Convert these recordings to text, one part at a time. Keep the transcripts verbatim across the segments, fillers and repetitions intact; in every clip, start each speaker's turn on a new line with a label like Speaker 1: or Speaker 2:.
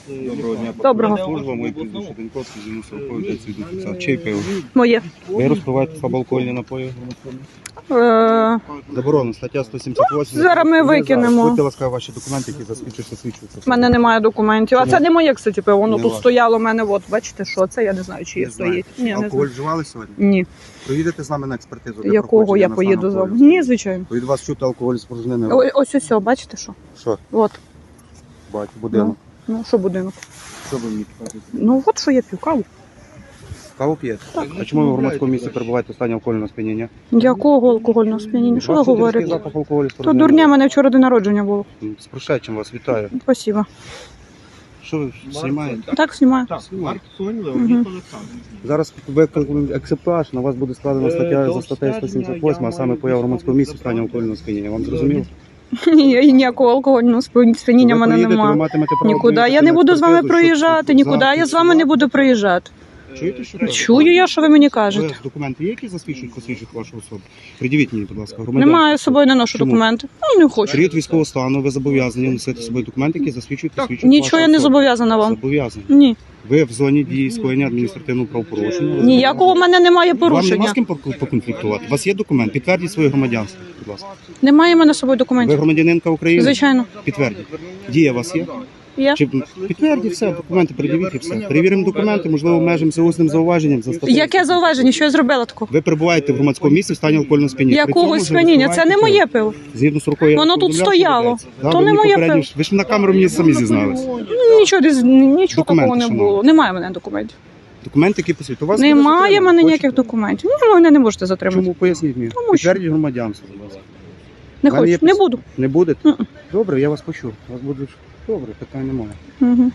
Speaker 1: Доброго дня.
Speaker 2: Доброго.
Speaker 1: Служба, мої прізвище Деньковський, зі мною повідомляється від офіцера. Чий пиво?
Speaker 2: Моє.
Speaker 1: Ви розпиваєте слабоалкогольні напої?
Speaker 2: Е,
Speaker 1: Заборонено, стаття сто сімдесят вісім.
Speaker 2: Зараз ми викинемо.
Speaker 1: Будьте ласкаві, ваші документи, які засвідчують, що свідчуються.
Speaker 2: в мене немає документів. А
Speaker 1: Чому?
Speaker 2: це не моє, кстати, пиво. Воно
Speaker 1: Не
Speaker 2: тут
Speaker 1: ваше.
Speaker 2: стояло в мене. От, бачите, що це? Я не знаю, чи є
Speaker 1: Не
Speaker 2: стоїть.
Speaker 1: знаєте.
Speaker 2: Ні, не
Speaker 1: Алкоголь
Speaker 2: знаю.
Speaker 1: вживали сьогодні?
Speaker 2: Ні.
Speaker 1: Поїдете з нами на експертизу? для
Speaker 2: Якого
Speaker 1: проходження
Speaker 2: я
Speaker 1: на
Speaker 2: поїду
Speaker 1: стан
Speaker 2: з вами?
Speaker 1: алкоголю?
Speaker 2: Ні, звичайно.
Speaker 1: Від вас чути алкоголь спорожнений.
Speaker 2: О- Ось ось, ось, бачите що?
Speaker 1: Що?
Speaker 2: От.
Speaker 1: Бать, будинок.
Speaker 2: Ну, що будинок?
Speaker 1: Що ви мені кажете?
Speaker 2: Ну, от що я п'ю, каву.
Speaker 1: Каву п'єте? А чому ви в громадському місці перебуваєте в стані алкогольного сп'яніння?
Speaker 2: Якого алкогольного сп'яніння? Що ви
Speaker 1: Бачите,
Speaker 2: говорите?
Speaker 1: різкий запах алкоголю
Speaker 2: То
Speaker 1: спорожнений.
Speaker 2: дурня, мене вчора день народження було.
Speaker 1: З прошедшим вас вітаю.
Speaker 2: Спасибо.
Speaker 1: Що ви знімаєте?
Speaker 2: Так, знімаю.
Speaker 1: Знімаю.
Speaker 2: Мгм.
Speaker 1: Зараз викликаємо екземпляж, на вас буде складена стаття за статтею сто сімдесят вісім, а саме поява в громадському місці в стані алкогольного сп'яніння. Вам зрозуміло?
Speaker 2: Ні, ніякого алкогольного сп'яніння в
Speaker 1: Ви
Speaker 2: мене
Speaker 1: поїдете, ви
Speaker 2: немає.
Speaker 1: матимете право
Speaker 2: Нікуди.
Speaker 1: поїхати
Speaker 2: Я не
Speaker 1: на
Speaker 2: буду з вами
Speaker 1: експертизу, щоб
Speaker 2: проїжджати, нікуди. Я з вами не буду проїжджати.
Speaker 1: Чуєте, що кажете?
Speaker 2: Чую я, що ви мені
Speaker 1: Ви
Speaker 2: кажете.
Speaker 1: документи є, які засвідчують, посвідчують вашу особу? Придивіть мені, будь ласка, громадянство.
Speaker 2: Немає з собою, не ношу
Speaker 1: Чому?
Speaker 2: документи. Ну, не хочу.
Speaker 1: Період військового стану, ви зобов'язані носити з собою документи, які засвідчують, посвідчують
Speaker 2: Нічого я
Speaker 1: вашу
Speaker 2: не
Speaker 1: особу.
Speaker 2: зобов'язана вам.
Speaker 1: Зобов'язані.
Speaker 2: Ні.
Speaker 1: Ви в зоні дії скоєння адміністративного правопорушення.
Speaker 2: Ніякого в мене немає
Speaker 1: Вам нема
Speaker 2: порушення.
Speaker 1: з ким пок- поконфліктувати? У вас є документ? Підтвердіть своє громадянство, будь ласка.
Speaker 2: Немає в мене з собою
Speaker 1: Ви
Speaker 2: документів.
Speaker 1: громадянинка України?
Speaker 2: Звичайно.
Speaker 1: Підтвердіть. Дія у вас є?
Speaker 2: Є.
Speaker 1: Чи підтвердіть все, документи передивіть і все. Перевіримо документи, можливо, обмежимося усним зауваженням за статтею.
Speaker 2: Яке зауваження? Що я зробила такого?
Speaker 1: Ви перебуваєте в громадському місці в стані алкогольного сп'яніння. При
Speaker 2: Якого
Speaker 1: цьому ж ви
Speaker 2: сп'яніння? Це не
Speaker 1: розпиваєте
Speaker 2: моє пиво.
Speaker 1: пиво. Згідно з рукою.
Speaker 2: Воно тут стояло. То не моє пиво.
Speaker 1: Ви ж на камеру мені самі зізнались.
Speaker 2: Ну, Нічого, десь- нічого
Speaker 1: Документи,
Speaker 2: такого не
Speaker 1: шановні.
Speaker 2: було. Немає в мене документів.
Speaker 1: Документи, які посвідчують. У вас
Speaker 2: Немає в
Speaker 1: буде
Speaker 2: мене
Speaker 1: затримано.
Speaker 2: ніяких
Speaker 1: Хочете?
Speaker 2: документів. Ну, ви мене не можете затримати.
Speaker 1: Чому? Поясніть мені.
Speaker 2: Тому що-
Speaker 1: Підтвердіть громадянство, будь ласка.
Speaker 2: Не
Speaker 1: В мене є
Speaker 2: хочу, не
Speaker 1: пис-
Speaker 2: буду.
Speaker 1: Не будете?
Speaker 2: Мгм.
Speaker 1: Добре, я вас почув. Вас буде добре, питань немає.
Speaker 2: Угу.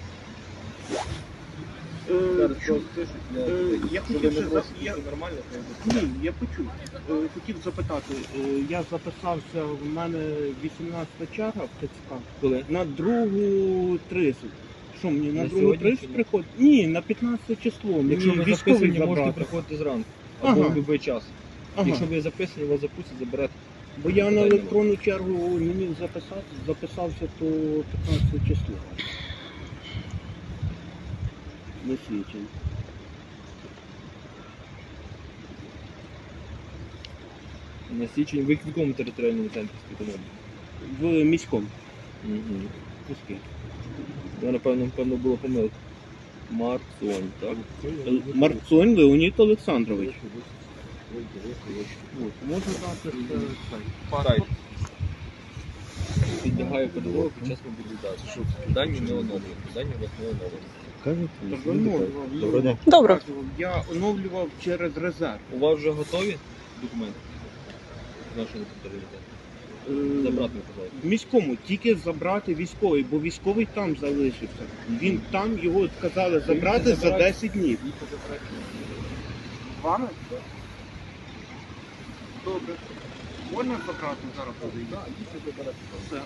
Speaker 3: Я хотів ще за- я- Ні, я почув. Е, Хотів запитати, е, я записався, в мене вісімнадцята черга в ТЦК. Коли? На другу тридцять. Що мені, на
Speaker 4: На
Speaker 3: другу
Speaker 4: сьогодні
Speaker 3: тридцять
Speaker 4: чи ні?
Speaker 3: приходить? Ні, на п'ятнадцяте число.
Speaker 4: Якщо
Speaker 3: Мені
Speaker 4: ви
Speaker 3: військовий
Speaker 4: записані, можете
Speaker 3: забрати.
Speaker 4: приходити зранку.
Speaker 3: Ага.
Speaker 4: Або в будь-який час.
Speaker 3: Ага.
Speaker 4: Якщо ви записані, вас запустять, заберете.
Speaker 3: Бо я на електронну чергу не міг записати, записався то п'ятнадцяте число. Не свідчень.
Speaker 4: На січень ви в якому територіальному центрі співпадали?
Speaker 3: В міському.
Speaker 4: Угу.
Speaker 3: Міський.
Speaker 4: Я, напевно, напевно, була помилка. Марцонь, так?
Speaker 3: Л- Марцонь Леонід Олександрович. От, можна дати ще цей паспорт?
Speaker 4: Підлягає ПДВ під час мобілізації. Дані не оновлені. Дані у вас не оновлені.
Speaker 3: Так, оновлював.
Speaker 1: Доброго дня.
Speaker 2: Добре.
Speaker 3: Я оновлював через резерв.
Speaker 4: У вас вже готові документи? З нашого територіалітету?
Speaker 3: Е,
Speaker 4: Забрати, пожалуйста.
Speaker 3: В міському тільки забрати військовий, бо військовий там залишився. Він там його сказали забрати за десять днів. Вами? Добре. Можна забрати зараз подивитися? Все.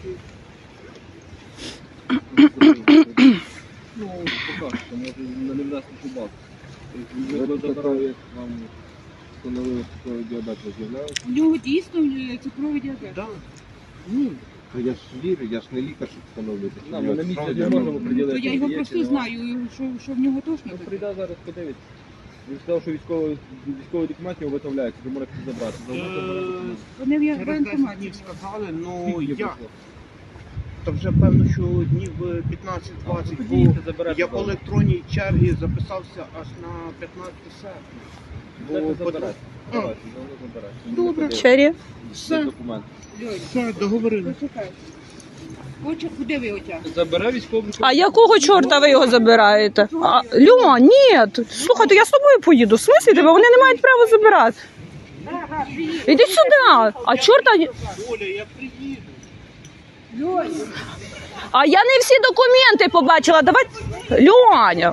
Speaker 4: Ну, покажете, може не внести шубак. Ви забрали, вам встановили цукровий діабет, ви з'являєтесь?
Speaker 5: У нього дійсно е, цукровий діабет.
Speaker 3: Так. Ну,
Speaker 6: Я ж вірю, я ж не лікар, щоб встановлювати.
Speaker 4: Да, ми на місці не можемо
Speaker 5: То
Speaker 4: приділити.
Speaker 5: я його просто знаю, що, що в нього точно
Speaker 4: Ну,
Speaker 5: таке.
Speaker 4: прийде зараз, подивиться. Він сказав, що військовий, військовий документ його виготовляється, ви можете забрати.
Speaker 3: е,
Speaker 5: Вони в я- в
Speaker 3: через десять
Speaker 5: воєнкоматі.
Speaker 3: днів сказали, ну
Speaker 4: Скільки
Speaker 3: я.
Speaker 4: пройшло?
Speaker 3: Та вже певно, що днів п'ятнадцять-двадцять, бо
Speaker 4: Ходіть, заберете.
Speaker 3: я по електронній черзі записався аж на п'ятнадцяте серпня. Бо
Speaker 4: Бо
Speaker 3: потім-
Speaker 4: заберете.
Speaker 3: А.
Speaker 4: Давайте, воно заберете.
Speaker 5: Добре.
Speaker 2: Чері.
Speaker 3: Все,
Speaker 4: Документ.
Speaker 5: Льоль,
Speaker 3: все, договорились.
Speaker 5: почекай. Хоче, куди ви отягнете?
Speaker 4: Забере військовий.
Speaker 2: А якого чорта ви його забираєте? А, Льо, ні. Слухайте, я з тобою поїду. В смислі тебе? Вони не мають права забирати. Іди сюди. А чорта...
Speaker 3: Оля, я приїду.
Speaker 5: Льоль,
Speaker 2: А я не всі документи побачила. Давай... Льоня.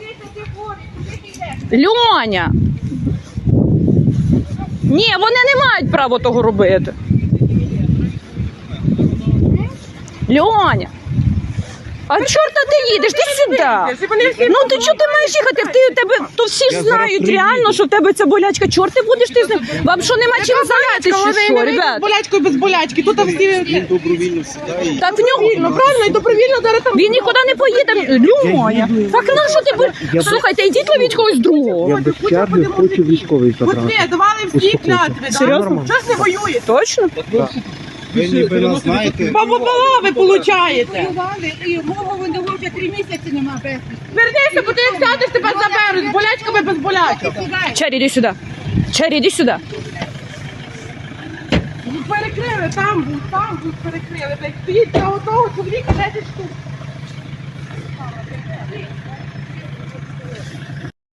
Speaker 2: Льоня. Ні, вони не мають права того робити. Льоня. А чорта ти їдеш? Ти сюди. Вітя! Ну ти чого ти маєш їхати? Ти, тебе, то всі ж
Speaker 1: Я
Speaker 2: знають
Speaker 1: зараз
Speaker 2: реально,
Speaker 1: приїду.
Speaker 2: що в тебе ця болячка. Чорт ти будеш ти з ним? Вам що нема чим зайнятися, чи що, ребят?
Speaker 7: болячкою без болячки. Тут там всі
Speaker 6: Він добровільно сідає.
Speaker 2: Так в нього...
Speaker 7: ну правильно і добровільно зараз там.
Speaker 2: Він нікуди не поїде, Люмоня. Так на що ти бу- Слухайте, йдіть ловіть когось другого.
Speaker 1: Я без черги хочу військовий
Speaker 7: От
Speaker 1: забрати.
Speaker 7: ви давали всі клятви,
Speaker 2: Серйозно?
Speaker 7: да? Що ж не воюєте?
Speaker 2: Точно?
Speaker 1: Ви ніби нас знаєте.
Speaker 7: Бабу ви получаєте.
Speaker 5: Воювали, і мого воно вже три місяці нема без.
Speaker 7: Вернися, бо ти як сядеш, тебе заберуть. З болячками без болячок.
Speaker 2: Чері, іди сюди. Чері, іди сюди.
Speaker 7: Перекрили, там був, там був перекрили. Блядь, стоїть для одного чоловіка десять штук.